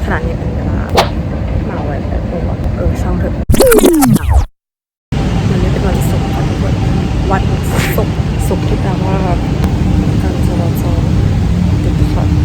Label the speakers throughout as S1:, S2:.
S1: ขนาดนี้เป็นเวลามาไว้แต่ตัวช่างเถอะวันนี้เป็นวันศุกร์ค่ะทุกคนวันศุกร์ที่แปลว่าการจราจรติดขัด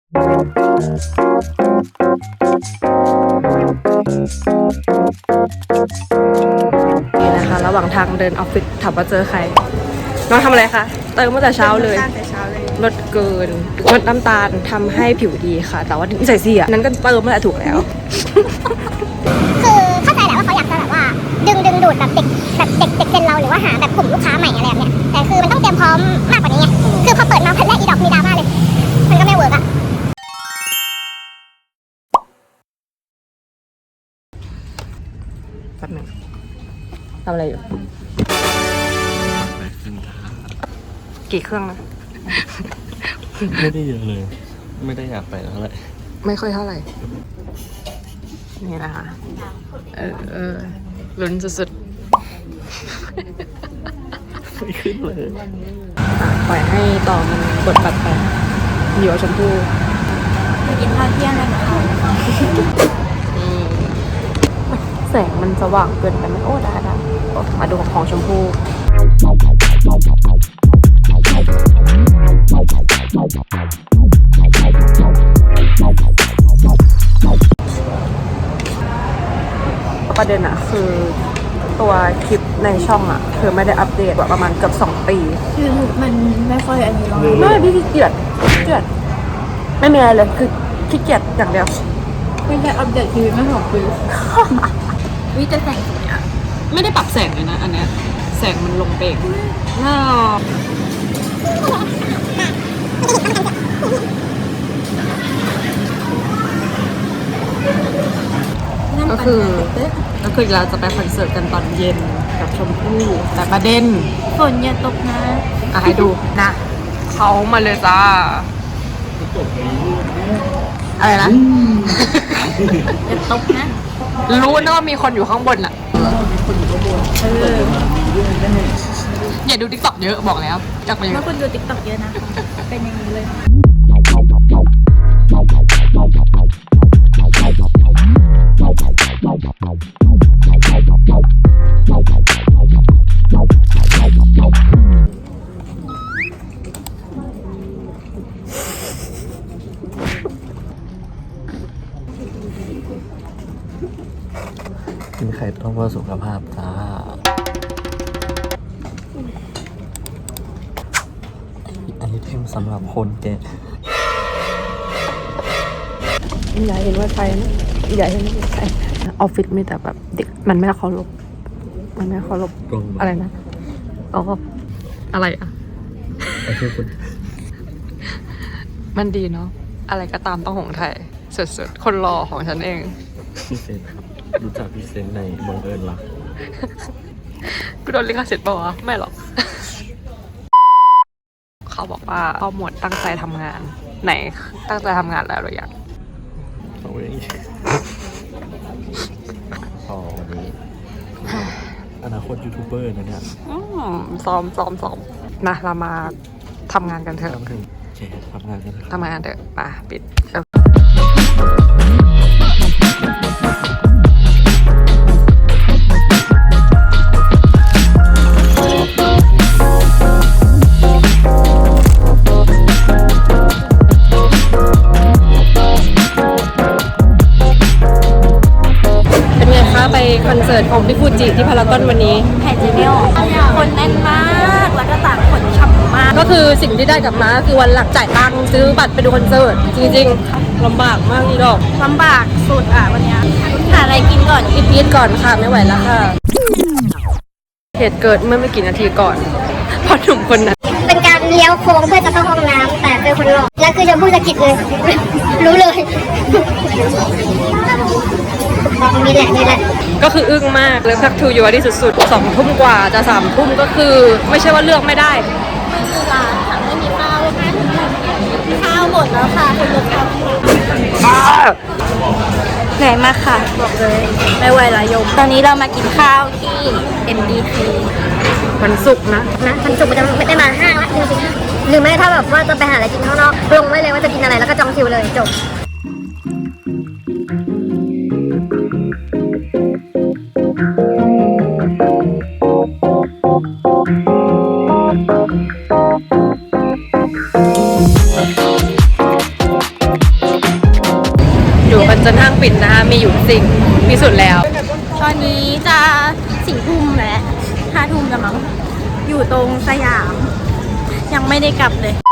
S1: นี่นะคะระหว่างทางเดินออฟฟิศถามว่าเจอใครน้องทำอะไรคะเติมตั้งแต่เช้าเลยลดเกินลดน้ำตาลทำให้ผิวดีค่ะแต่ว่านิสัยเสียนั้นก็เติมมาแหละถูกแล้ว
S2: คือเข้าใจแหละว่าเขาอยากจะแบบว่าดึงดูดแบบเด็กเจนเราหรือว่าหาแบบกลุ่มลูกค้าใหม่อะไรแบบเนี้ยแต่คือมันต้องเตรียมพร้อมมากกว่านี้ไงคือพอเปิดมาพันแรกอีดอกมีดราม่าเลยมันก็ไม่เวิร์กอะ
S1: แป๊บนึงทำอะไรอยู่กี่เครื่องนะ
S3: ไม่ได้เยอะเลย ไม่ได้อยากไปเท่าไหร่
S1: ไม่ค่อยเท่าไหร่นี่นะคะลุ้นสุด
S3: ๆไม่ขึ้นเลย
S1: ปล่อยให้ต่อมันกดบัตรไปอยู่กับชมพู่
S2: ไปกินข้าวเที่ยงกันนะคะ
S1: แสงมันสว่างเกินไปไหมโอ้ได้มาดูของชมพู่ประเด็นอะคือตัวคลิปในช่องอะคือไม่ได้อัปเดตกว่าประมาณเกือบ2 ปี
S2: คือมันไม่ค่อยอันนี้หรอก
S1: ไม่พี่ขี้เกียจไม่มีอะไรเลยคือขี้เกียจอย่างเดียว
S2: ไม่ได้อัปเดตชีวิตไม่2 ปีวิจะแต่งเนี่ย
S1: ไม่ได้ปรับแสงเลยนะอันเนี้ยแสงมันลงเบกน่าก็คือเราจะไปคอนเสิร์ตกันตอนเย็นกับชมพู่แต่ประเด็น
S2: ฝนอย่าตกนะ
S1: ให้ดูนะเขามาเลยจ้าอะไรนะ
S2: อย่าตกนะ
S1: รู้นะว่ามีคนอยู่ข้างบนอ่ะอย่าดู TikTok เยอะบอกแล้วจากไปเยอะ
S2: ถ้าคุณดู TikTok เยอะนะเป็นอย่างนี้เลย
S3: กินไข่ต้มเพื่อสุขภาพจ้าไอเทมสำหรับคนแก่
S1: อย่าเห็นว่าใครนะอย่าเห็นว่าใครออฟฟิศมีแต่แบบเด็กมันไม่เคารพอะไรนะอะไรอ่ะมันดีเนาะอะไรก็ตามต้องของไทยสุดๆคนรอของฉันเอง
S3: พี่เซนครับรู้จักพี่เซนในบังเอิญรัก
S1: กูโดนลิขสิทธิ์ป่าวะไม่หรอกเขาบอกว่าพ่อหมวดตั้งใจทำงานไหนตั้งใจทำงานแล้วหรือยัง
S3: เอาเองพอวันนี้อนาคตยูทูบเบอร์นะเนี่ย
S1: ซ้อมนะเรามาทำงานกันเถอะ
S3: ทำงานกันเถ
S1: อะมาปิดไปคอนเสิร์ตของพี่ฟูจิที่พารากอนวันนี้
S2: แผ่นจีเมลคนแน่นมากแล้วก็ต่างคนฉ่ำมาก
S1: ก็คือสิ่งที่ได้กลับมาคือวันหลักจ่ายตังค์ซื้อบัตรไปดูคอนเสิร์ตจริงๆลำบากมากนี่ดอก
S2: ลำบากสุดวันนี้หาอะไรกินก่อน
S1: พีทก่อนค่ะไม่ไหวแล้วค่ะเหตุเกิดเมื่อไม่กี่นาทีก่อนพอหนุ่มคนนั้น
S2: เป็นการเลี้ยวโค้งเพื่อจะเข้าห้องน้ำแต่เป็นคนหลอกแล้วคือจะพูดสะกิดเลยรู้เลยนี่แหละ
S1: ก็คืออึ้งมากเลยพักทูอยู่ที่สุดๆ2 ทุ่มกว่าจะ3 ทุ่มก็คือไม่ใช่ว่าเลือกไม่ได้
S2: ร้านค่ะไม่มีข้าวหมดแล้วค่ะคุณลูกค้าเหนื่อยมากค่ะบอกเลยไม่ไหวละยมตอนนี้เรามากินข้าวที่ MBK
S1: วันศุกร์นะ
S2: วันศุกร์มันจะไม่ได้มาห้างละจริงๆหรือไม่ถ้าแบบว่าจะไปหาอะไรกินข้างนอกลงไว้เลยว่าจะกินอะไรแล้วก็จองคิวเลยจบ
S1: อยู่กันจนห้างปิดนะคะมีอยู่จริงมีสุดแล้ว
S2: ตอนนี้จะ4 ทุ่มแล้ว5 ทุ่มแล้วมั้งอยู่ตรงสยาม ยังไม่ได้กลับเลย